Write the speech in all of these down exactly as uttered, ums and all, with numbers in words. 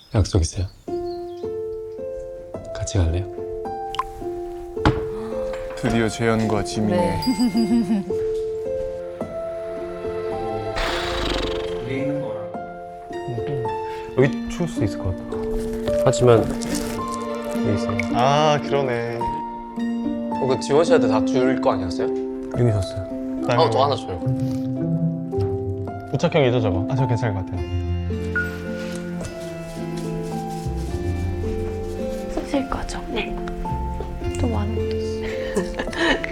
약속 있어요? 같이 갈래요? 드디어 재현과 지민의 네. 여기 추울 수 있을 것 같아. 하지만 여기 있어요. 아 그러네. 어, 그 지원 씨한테 다 줄 거 아니었어요? 여기 줬어요. 어, 저 하나 줘요. 부착형이죠 저거? 아 저 괜찮을 것 같아요. 쓰실 거죠? 네. 좀 많은 것도 있어요.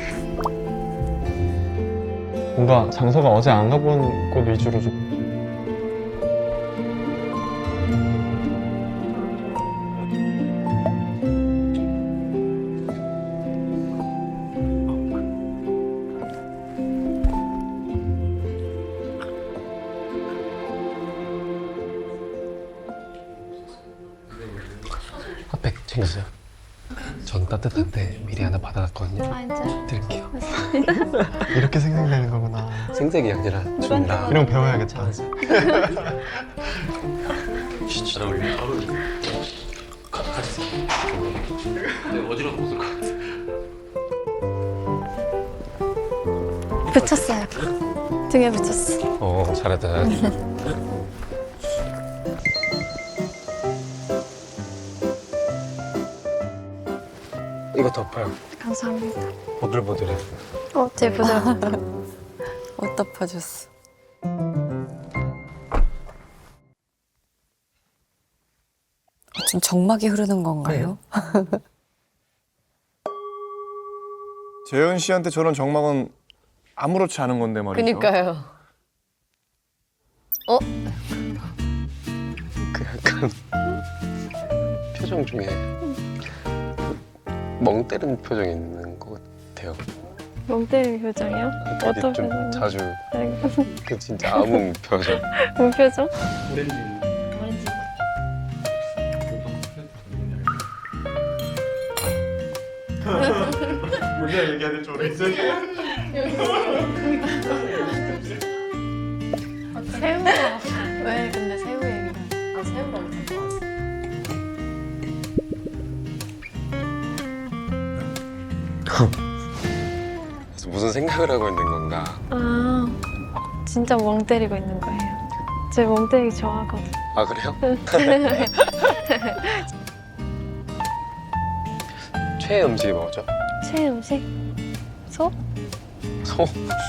뭔가 장소가 어제 안 가본 곳 위주로 좀. 핫팩 챙겼어요? 전 따뜻한데 미리 하나 받아놨거든요. 아, 진짜요? 드릴게요. 이렇게 생생되는 거구나. 생색이 아니라 줍니다. 이런 거 배워야겠다. 잘 어울려. 잘 어울려. 같이 근데 어지러워 못쓸 것 같아. 붙였어요. 등에 붙였어. 어, 잘했다, 잘했다. 이거 덮어요. 감사합니다. 보들보들해. 어, 제 부드럽다. 옷 덮어줬어. 지금 정막이 흐르는 건가요? 재현 씨한테 저런 정막은 아무렇지 않은 건데 말이죠. 그니까요. 어? 그 약간 표정 중에 멍 때리는 표정이 있는 것 같아요. 멍 때리는 표정이요? 되게 어떤 좀 표정? 자주 그 진짜 아무 표정. 뭔 표정? 문제 얘기하는 줄 알았어요. 새우가 왜 근데 새우 얘기를 아 새우가 엄청 좋아했어. 그래서 무슨 생각을 하고 있는 건가? 아 진짜 멍 때리고 있는 거예요. 제가 멍 때리기 좋아하거든. 아 그래요? 최애 음식이 뭐죠? 최애 음식? 소? 소?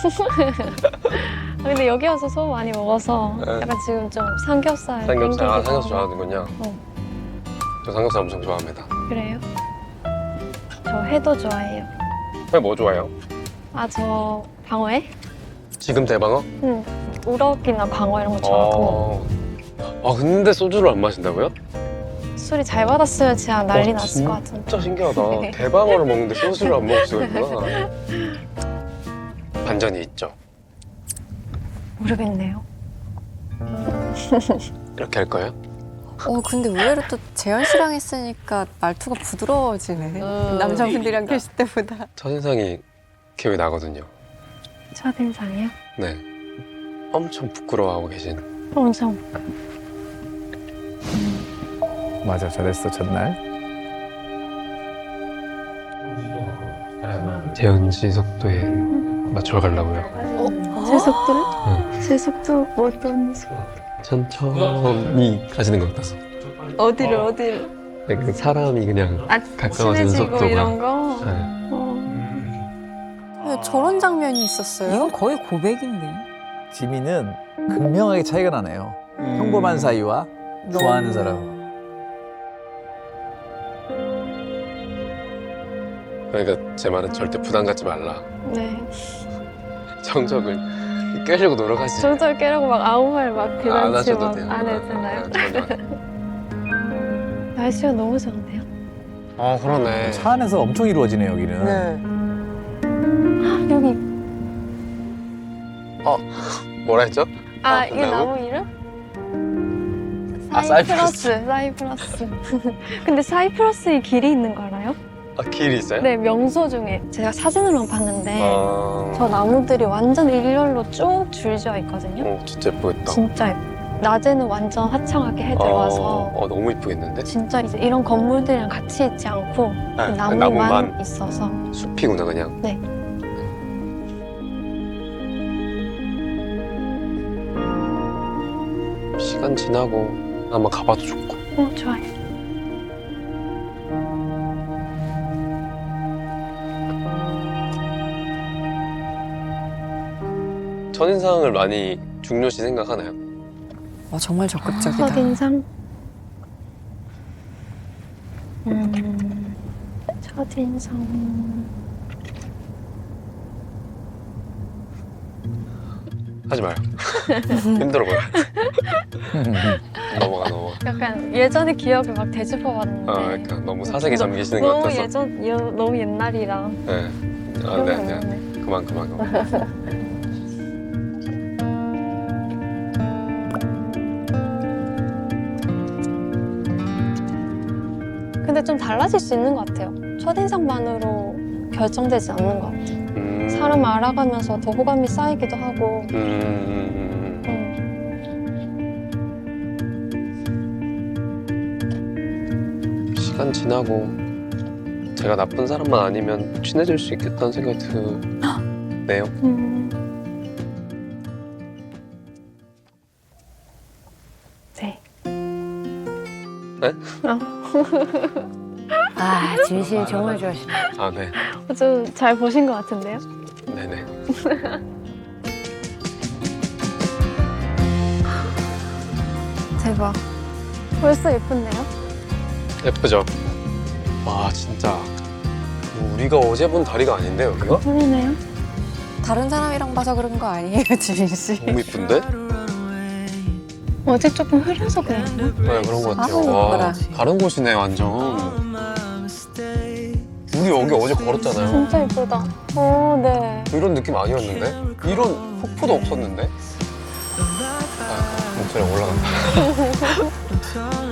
아, 근데 여기 와서 소 많이 먹어서 네. 약간 지금 좀 삼겹살 삼겹살. 아 땡기기도 삼겹살 하고. 좋아하는군요. 어. 저 삼겹살 엄청 좋아합니다. 그래요? 저 회도 좋아해요. 왜 뭐 좋아해요? 아 저 방어회? 지금 대방어? 응. 우럭이나 광어 이런 거 좋아하고 어. 아 근데 소주를 안 마신다고요? 술이 잘 받았으면 진짜 난리 와, 났을 것 같은데. 진짜 신기하다. 대방어를 먹는데 소주를 안 먹을 수가 있구나. 반전이 있죠. 모르겠네요. 이렇게 할 거예요? 어 근데 의외로 또 재현 씨랑 했으니까 말투가 부드러워지네. 남자분들이랑 계실 때보다. 첫인상이 기억이 나거든요. 첫인상이요? 네. 엄청 부끄러워하고 계신. 엄청. 맞아, 잘했어 첫날. 재현 씨 속도에 맞춰 가려고요. 제 속도를? 네. 제 속도 뭐 어떤 속도? 천천히 가시는 것 같아서. 어디를 어디를? 약간 사람이 그냥 아 가까워지는 친해지고 속도가. 이런 거? 네. 어. 저런 장면이 있었어요? 이건 거의 고백인데. 지민은 극명하게 차이가 나네요. 평범한 사이와 좋아하는 사람. 그러니까 제 말은 절대 부담 갖지 말라. 네. 정적을 깨려고 노력하지. 정절 깨라고 막 아무 말 막 안 그다지 하셔도 막 돼요. 안 해도 되나요? 아, 전혀. 날씨가 너무 좋은데요? 아 그러네. 차 안에서 엄청 이루어지네 여기는. 네. 여기 뭐라 했죠? 아, 아, 이 나무? 나무 이름? 아, 사이프러스. 사이프러스. 근데 사이프러스에 길이 있는 거 알아요? 아 길이 있어요? 네, 명소 중에 제가 사진으로만 봤는데 아... 저 나무들이 완전 일렬로 쭉 줄지어 있거든요. 어 진짜 예쁘겠다. 진짜 예뻐요. 낮에는 완전 화창하게 해 들어와서 어, 어, 너무 이쁘겠는데? 진짜 이제 이런 건물들이랑 같이 있지 않고 네, 나무만, 나무만. 있어서 숲이구나 그냥. 네. 시간 지나고 한번 가봐도 좋고. 어, 좋아요. 첫인상을 많이 중요시 생각하나요? 와, 정말 적극적이다. 첫인상? 음, 첫인상. 하지 마요. 힘들어 보여. 넘어가 넘어가. 약간 예전의 기억을 막 되짚어봤는데. 아, 그러니까 너무 사색에 잠기시는 것 너무 같아서. 예전, 여, 너무 옛날이라. 네. 아, 기억이 네, 안 네. 나네. 그만, 그만, 그만. 근데 좀 달라질 수 있는 것 같아요. 첫인상만으로 결정되지 않는 것 같아요. 음, 사람 알아가면서 더 호감이 쌓이기도 하고. 음, 음, 음, 음. 음. 시간 지나고 제가 나쁜 사람만 아니면 친해질 수 있겠다는 생각이 드네요. 음. 네. 네? 아, 진실 정말 좋아하시네. 아, 네. 좀 잘 보신 것 같은데요? 네네. 대박. 벌써 예쁜데요? 예쁘죠? 와, 진짜. 우리가 어제 본 다리가 아닌데, 여기가? 보이네요. 다른 사람이랑 봐서 그런 거 아니에요, 지민 씨? 너무 이쁜데? 어제 조금 흐려서 그랬나? 네, 그런 것 같아요. 아우, 와, 예뻐라. 다른 곳이네, 완전. 우리 여기 어제 걸었잖아요. 진짜 예쁘다. 오, 네. 이런 느낌 아니었는데? 이런 폭포도 없었는데? 아, 목소리가 올라간다.